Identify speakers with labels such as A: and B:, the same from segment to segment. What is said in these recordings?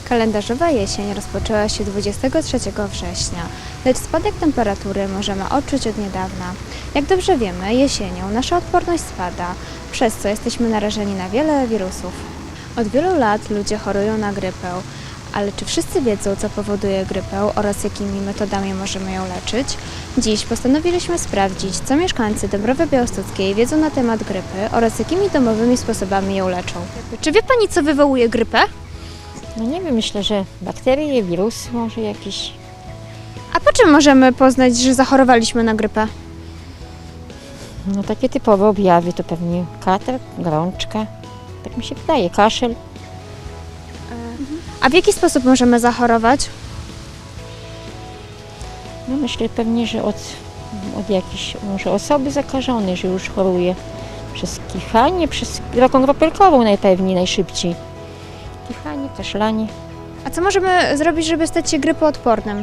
A: Kalendarzowa jesień rozpoczęła się 23 września, lecz spadek temperatury możemy odczuć od niedawna. Jak dobrze wiemy, jesienią nasza odporność spada, przez co jesteśmy narażeni na wiele wirusów. Od wielu lat ludzie chorują na grypę, ale czy wszyscy wiedzą, co powoduje grypę oraz jakimi metodami możemy ją leczyć? Dziś postanowiliśmy sprawdzić, co mieszkańcy Dąbrowy Białostockiej wiedzą na temat grypy oraz jakimi domowymi sposobami ją leczą. Czy wie Pani, co wywołuje grypę?
B: No nie wiem, myślę, że bakterie, wirusy może jakieś.
A: A po czym możemy poznać, że zachorowaliśmy na grypę?
B: No takie typowe objawy to pewnie katar, gorączka, tak mi się wydaje, kaszel.
A: A w jaki sposób możemy zachorować?
B: No myślę pewnie, że od jakiejś może osoby zakażonej, że już choruje przez kichanie, przez drogą kropelkową najszybciej. Kichanie, kaszlanie.
A: A co możemy zrobić, żeby stać się grypoodpornym?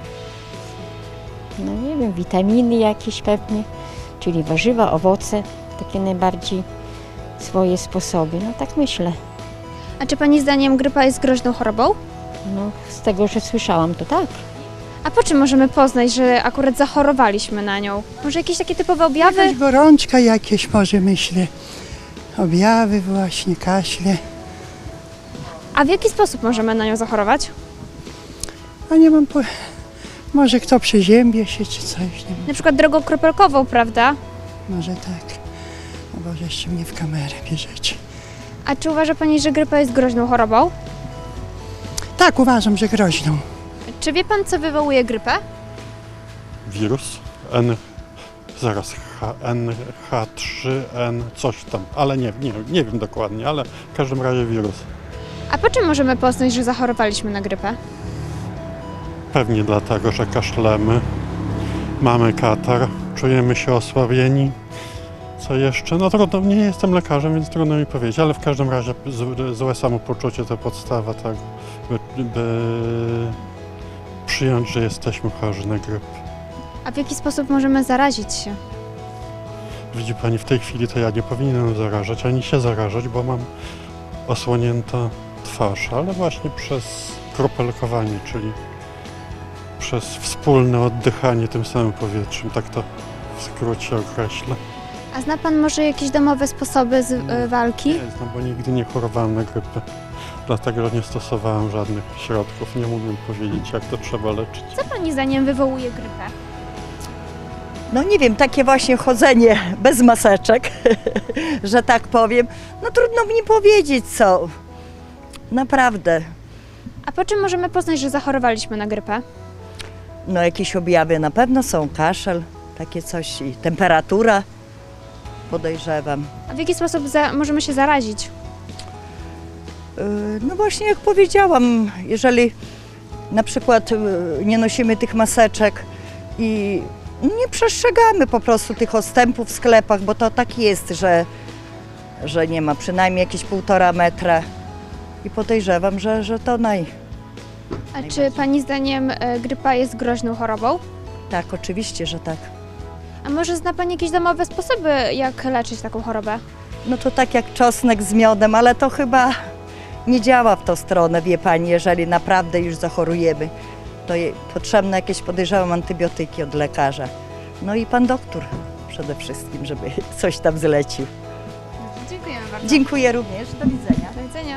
B: No nie wiem, witaminy jakieś pewnie, czyli warzywa, owoce, takie najbardziej swoje sposoby, no tak myślę.
A: A czy Pani zdaniem grypa jest groźną chorobą?
B: No z tego, że słyszałam, to tak.
A: A po czym możemy poznać, że akurat zachorowaliśmy na nią? Może jakieś takie typowe objawy?
C: Jakaś gorączka jakieś może, myślę. Objawy właśnie, kaszle.
A: A w jaki sposób możemy na nią zachorować?
C: A nie mam może kto przeziębie się czy coś, nie wiem.
A: Na przykład drogą kropelkową, prawda?
C: Może tak. O Boże, jeszcze mnie w kamerę bierzecie.
A: A czy uważa Pani, że grypa jest groźną chorobą?
C: Tak, uważam, że groźną.
A: Czy wie Pan, co wywołuje grypę?
D: Wirus NH3N coś tam, ale nie wiem dokładnie, ale w każdym razie wirus.
A: A po czym możemy poznać, że zachorowaliśmy na grypę?
D: Pewnie dlatego, że kaszlemy, mamy katar, czujemy się osłabieni. Co jeszcze? No trudno, nie jestem lekarzem, więc trudno mi powiedzieć, ale w każdym razie złe samopoczucie to podstawa, tak, by przyjąć, że jesteśmy chorzy na grypę.
A: A w jaki sposób możemy zarazić się?
D: Widzi Pani, w tej chwili to ja nie powinienem zarażać, ani się zarażać, bo mam osłonięta twarz, ale właśnie przez kropelkowanie, czyli przez wspólne oddychanie tym samym powietrzem, tak to w skrócie określę.
A: A zna Pan może jakieś domowe sposoby walki?
D: Nie znam, bo nigdy nie chorowałem na grypę, dlatego że nie stosowałem żadnych środków, nie umiem powiedzieć, jak to trzeba leczyć.
A: Co Pani zdaniem wywołuje grypę?
E: No nie wiem, takie właśnie chodzenie bez maseczek, że tak powiem. No trudno mi powiedzieć co. Naprawdę.
A: A po czym możemy poznać, że zachorowaliśmy na grypę?
E: No jakieś objawy na pewno są, kaszel, takie coś i temperatura, podejrzewam.
A: A w jaki sposób możemy się zarazić?
E: No właśnie jak powiedziałam, jeżeli na przykład nie nosimy tych maseczek i nie przestrzegamy po prostu tych odstępów w sklepach, bo to tak jest, że nie ma przynajmniej jakieś 1,5 metra i podejrzewam, że to
A: A czy Pani zdaniem grypa jest groźną chorobą?
E: tak, oczywiście, że tak.
A: A może zna Pani jakieś domowe sposoby, jak leczyć taką chorobę?
E: No to tak jak czosnek z miodem, ale to chyba nie działa w tą stronę, wie Pani, jeżeli naprawdę już zachorujemy. To potrzebne jakieś, podejrzewam, antybiotyki od lekarza. No i pan doktor przede wszystkim, żeby coś tam zlecił.
A: Dziękujemy bardzo.
E: Dziękuję również, do widzenia.
A: Do widzenia.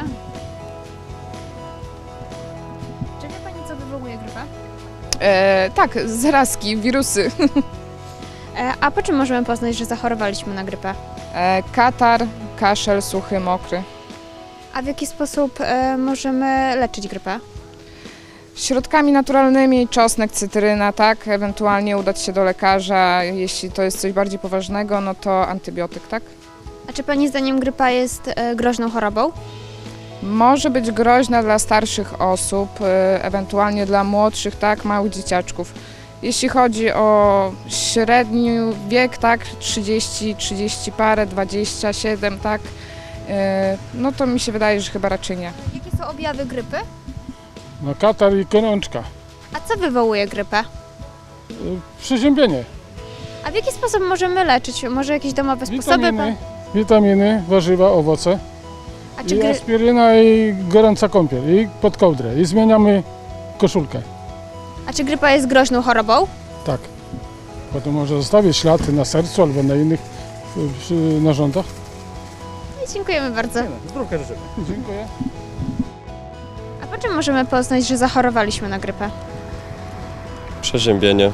A: Czy wie Pani, co wywołuje grypę?
F: Tak, zarazki, wirusy.
A: A po czym możemy poznać, że zachorowaliśmy na grypę?
F: Katar, kaszel, suchy, mokry.
A: A w jaki sposób możemy leczyć grypę?
F: Środkami naturalnymi, czosnek, cytryna, tak, ewentualnie udać się do lekarza, jeśli to jest coś bardziej poważnego, no to antybiotyk, tak.
A: A czy Pani zdaniem grypa jest groźną chorobą?
F: Może być groźna dla starszych osób, ewentualnie dla młodszych, tak, małych dzieciaczków. Jeśli chodzi o średni wiek, tak, 30 parę, 27, tak, no to mi się wydaje, że chyba raczej nie.
A: Jakie są objawy grypy?
G: No katar i gorączka.
A: A co wywołuje grypę?
G: Przeziębienie.
A: A w jaki sposób możemy leczyć? Może jakieś domowe sposoby?
G: Witaminy, warzywa, owoce.
A: A czy,
G: I aspiryna, i gorąca kąpiel, i pod kołdrę. I zmieniamy koszulkę.
A: a czy grypa jest groźną chorobą?
G: Tak. Potem może zostawić ślad na sercu albo na innych narządach.
A: Dziękujemy bardzo.
G: Zdrówka życzymy. Dziękuję.
A: A po czym możemy poznać, że zachorowaliśmy na grypę?
H: Przeziębienie,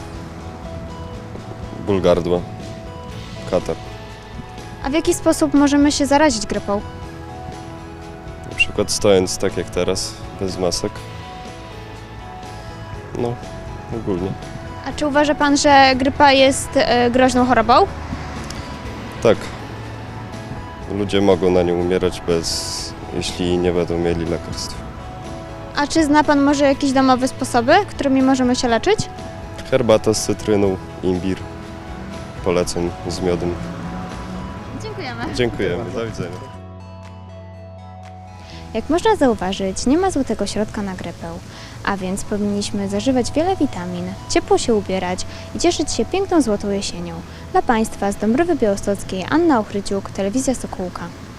H: ból gardła, katar.
A: A w jaki sposób możemy się zarazić grypą?
H: Na przykład stojąc tak jak teraz, bez masek. No, ogólnie.
A: A czy uważa Pan, że grypa jest groźną chorobą?
H: Tak. Ludzie mogą na nią umierać jeśli nie będą mieli lekarstw.
A: A czy zna Pan może jakieś domowe sposoby, którymi możemy się leczyć?
H: Herbata z cytryną, imbir, polecam z miodem.
A: Dziękujemy.
H: Dziękujemy, do widzenia.
A: Jak można zauważyć, nie ma złotego środka na grypę, a więc powinniśmy zażywać wiele witamin, ciepło się ubierać i cieszyć się piękną złotą jesienią. Dla Państwa z Dąbrowy Białostockiej Anna Ochryciuk, Telewizja Sokółka.